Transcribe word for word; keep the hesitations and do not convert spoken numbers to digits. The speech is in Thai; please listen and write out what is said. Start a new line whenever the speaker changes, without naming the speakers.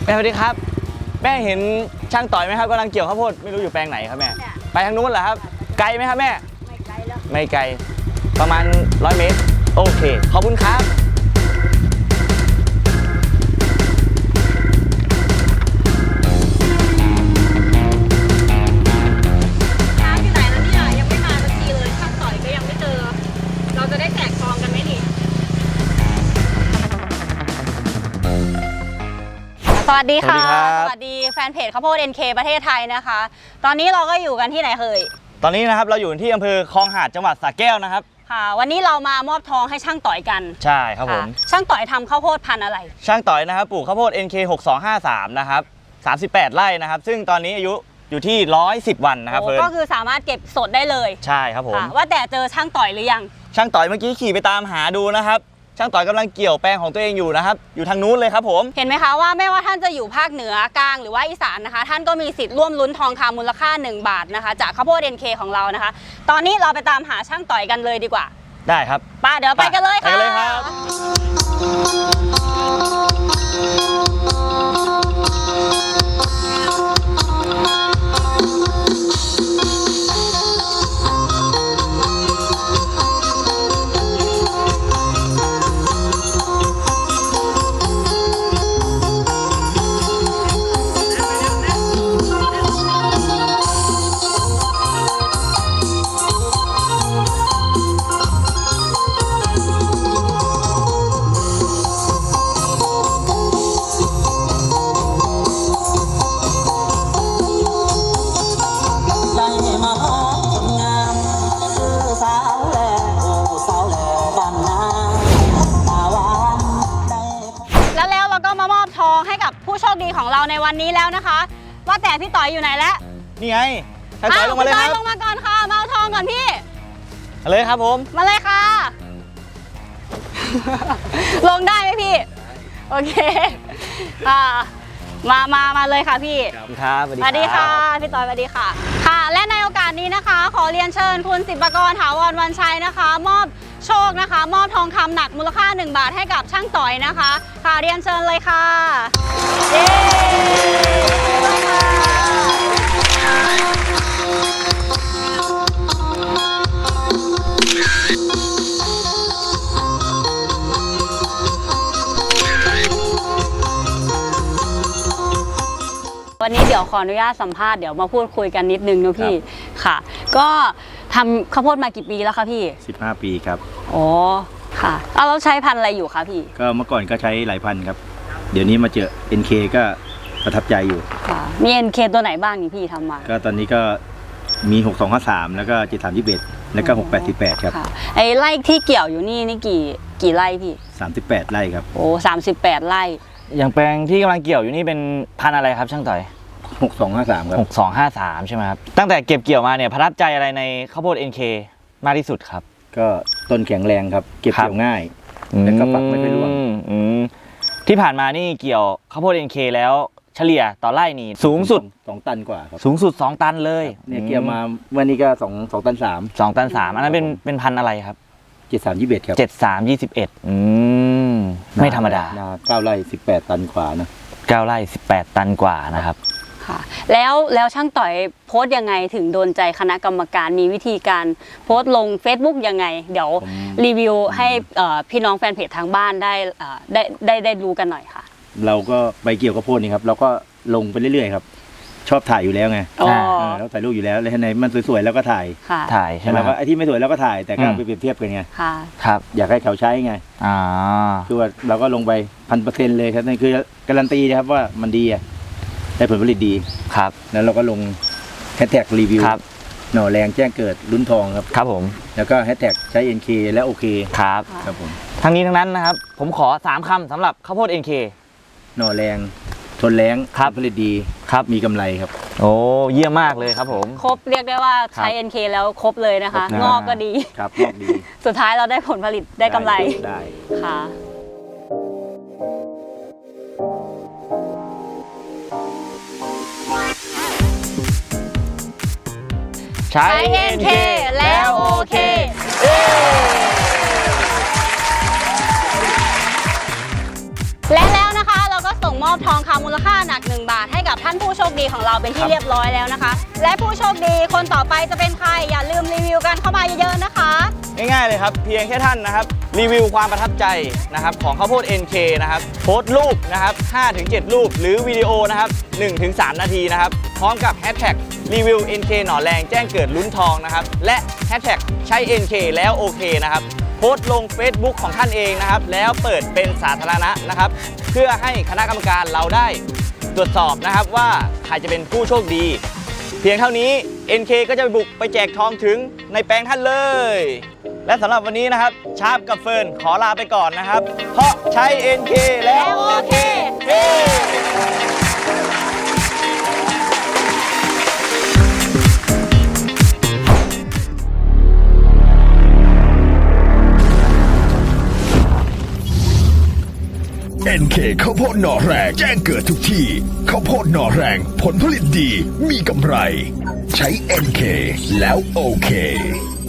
ม่สวัสดีครับแม่เห็นช่างต่อยไหมครับกำลังเกี่ยวข้าวโพดไม่รู้อยู่แปลงไหนครับแม่ไปทางนู้นเหรอครับไกลไหมครับแม่ไม่ไกลแล้วไม่ไกลประมาณร้อยเมตรโอเคขอบคุณครับ
น้ำอยู่ไหนแล้วเนี่ยยังไม่มาสักทีเลยช่างต่อยก็ยังไม่เจอเราจะได้แจกซองกันไหมนี่สวัสดีค่ะสวัสดีแฟนเพจข้าวโพด เอ็น เค ประเทศไทยนะคะตอนนี้เราก็อยู่กันที่ไหนเคย
ตอนนี้นะครับเราอยู่ที่อำเภอคลองหาดจังหวัดสระแก้วนะครับ
ค่ะวันนี้เรามามอบทองให้ช่างต่อยกัน
ใช่ครับผม
ช่างต่อยทำข้าวโพดพันธุ์อะไร
ช่างต่อยนะครับปลูกข้าวโพด เอ็น เค หกสองห้าสามนะครับสามสิบแปดไร่นะครับซึ่งตอนนี้อายุอยู่ที่หนึ่งร้อยสิบวันนะครับเฟิร์น
ก็คือสามารถเก็บสดได้เลย
ใช่ครับผม
ว่าแต่เจอช่างต่อยหรือยัง
ช่างต่อยเมื่อกี้ขี่ไปตามหาดูนะครับช่างต่อยกำลังเกี่ยวแปลงของตัวเองอยู่นะครับอยู่ทางนู้นเลยครับผม
เห็นไหมคะว่าไม่ว่าท่านจะอยู่ภาคเหนือกลางหรือว่าอีสานนะคะท่านก็มีสิทธิ์ร่วมลุ้นทองคำมูลค่าหนึ่งบาทนะคะจากข้าวโพด เอ็น เค ของเรานะคะตอนนี้เราไปตามหาช่างต่อยกันเลยดีกว่า
ได้ครับ
ป้าเดี๋ยวไปกันเลยค่ะ
ไปเลยครับ
ผู้โชคดีของเราในวันนี้แล้วนะคะว่าแต่พี่ต่อยอยู่ไหนแล้ว
นี่ไงให้ต่อยลงมาเลยครับ
ลงมาก่อนค่ะมาเอาทองก่อนพี่
มาเลยครับผม
มาเลยค่ะ ลงได้ไหมพี่โอเคอ่ามามามาเลยค่ะพี่
ครับ
สวัสดีค่ะพี่ต่อยสวัสดีค่ะค่ะและในโอกาสนี้นะคะขอเรียนเชิญคุณศิลปากรถาวรวันชัยนะคะมอบโชคนะคะมอบทองคำหนักมูลค่าหนึ่งบาทให้กับช่างต่อยนะคะค่ะเรียนเชิญเลยค่ะเย้วันนี้เดี๋ยวขออนุญาตสัมภาษณ์เดี๋ยวมาพูดคุยกันนิดนึงนะพี่ค่ะก็ทำข้าวโพดมากี่ปีแล้วคะพี่
สิบห้าปีครับ
อ๋อค่ะเอาเราใช้พันธุ์อะไรอยู่คะพี่
ก็เมื่อก่อนก็ใช้หลายพันธุ์ครับเดี๋ยวนี้มาเจอ เอ็น เค ก็ประทับใจอยู่
ค่ะมี เอ็น เค ตัวไหนบ้างนี่พี่ทำมา
ก็ตอนนี้ก็มีหกสองห้าสามแล้วก็เจ็ดสามยี่สิบเอ็ดแล้วก็หกแปดสี่แปดครับ
ไอ้ไร่ที่เกี่ยวอยู่นี่นี่กี่กี่ไร่พี่
สามสิบแปดไร่ครับ
โอ้สามสิบแปดไร่
อย่างแปลงที่กำลังเกี่ยวอยู่นี่เป็นพันธุ์อะไรครับช่างต่อย
หกสองห้าสามครับ
หกสองห้าสามใช่ไหมครับตั้งแต่เก็บเกี่ยวมาเนี่ยประทับใจอะไรในข้าวโพด เอ็น เค มากที่สุดครับ
ก็ต้นแข็งแรงครับเก็บเกี่ยวง่ายแล้วก็ฝักไม่ไปร่วง
ที่ผ่านมานี่เกี่ยวข้าวโพด เอ็น เค แล้วเฉลี่ยต่อไร่นี่สูงสุด
สองตันกว่าครับ
สูงสุดสองตันเลย
เนี่ยเกี่ยวมาวันนี้ก็สองสองตันสาม
สองตันสามอันนั้นเป็นเป็นพันธุ์อะไรครับ
เจ็ดสามยี่สิบเอ็ดครับ
เจ็ดสามยี่สิบเอ็ดอืมไม่ธรรมดา
เก้าไร่สิบแปดตันกว่านะ
เก้าไร่สิบแปดตันกว่านะครับ
ค่ะแล้วแล้วช่างต่อยโพสต์ยังไงถึงโดนใจคณะกรรมการมีวิธีการโพสต์ลง Facebook ยังไงเดี๋ยวรีวิวให้พี่น้องแฟนเพจทางบ้านได้ได้ได้ได้รู้กันหน่อยค่ะ
เราก็ไปเกี่ยวกับโพสต์นี่ครับเราก็ลงไปเรื่อยๆครับชอบถ่ายอยู่แล้วไงแล้วถ่ายรูปอยู่แล้วแล้วในมันสวยๆแล้วก็ถ่าย
ถ่ายใช่ไหม
แล้วก็ไอ้ที่ไม่สวยแล้วก็ถ่ายแต่ก็ไปเปรียบเทียบกันไง
ครับ
อยากให้เขาใช้ไง
อ่า
คือว่าเราก็ลงไปพันเปอร์เซ็นต์เลยครับนั่นคือการันตีนะครับว่ามันดีอะได้ผลผลิตดี
ครับ
แล้วเราก็ลงแฮชแท็กรีวิวหน่อแรงแจ้งเกิดลุ้นทองครับ
ครับผม
แล้วก็แฮชแท็กใช้ เอ็น เค และโอเค
ครับ
ครับผม
ทั้งนี้ทั้งนั้นนะครับผมขอสามคำสำหรับข้าวโพด เอ็น เค
หน่อแรงทนแรงผลผลิตดี
ครับ
มีกำไรครับ
โอ้เยี่ยมมากเลยครับผม
ครบเรียกได้ว่าใช้ เอ็น เค แล้วครบเลยนะคะงอกก็ดี
ครับงอกดี
สุดท้ายเราได้ผลผลิตได้กำไร
ได้
ค่ะ
ใช้
เอ็น เค แล้วโอเคและแล้วนะคะเราก็ส่งมอบทองคำมูลค่าหนักหนึ่งบาทให้กับท่านผู้โชคดีของเราเป็นที่เรียบร้อยแล้วนะคะ และผู้โชคดีคนต่อไปจะเป็นใครอย่าลืมรีวิวกันเข้ามาเยอะๆนะคะ
ง่ายๆเลยครับเพียงแค่ท่านนะครับรีวิวความประทับใจนะครับของข้าวโพด เอ็น เค นะครับโพสต์รูปนะครับ ห้าถึงเจ็ด รูปหรือวิดีโอนะครับ หนึ่งถึงสาม นาทีนะครับพร้อมกับแฮชแท็กรีวิว เอ็น เค หน่อแรงแจ้งเกิดลุ้นทองนะครับและแฮชแท็กใช้ เอ็น เค แล้วโอเคนะครับโพสต์ลง Facebook ของท่านเองนะครับแล้วเปิดเป็นสาธารณะนะครับเพื่อให้คณะกรรมการเราได้ตรวจสอบนะครับว่าใครจะเป็นผู้โชคดี เพียงเท่านี้ เอ็น เค ก็จะไปบุกไปแจกทองถึงในแปลงท่านเลย และสำหรับวันนี้นะครับชาร์ปกับเฟิร์นขอลาไปก่อนนะครับ เพราะใช้ เอ็น เค แล้วโอเคเฮ้
เอ็น เค ข้าวโพดหน่อแรงแจ้งเกิดทุกที่ข้าวโพดหน่อแรงผลผลิตดีมีกำไร ใช้ เอ็น เค แล้วโอเค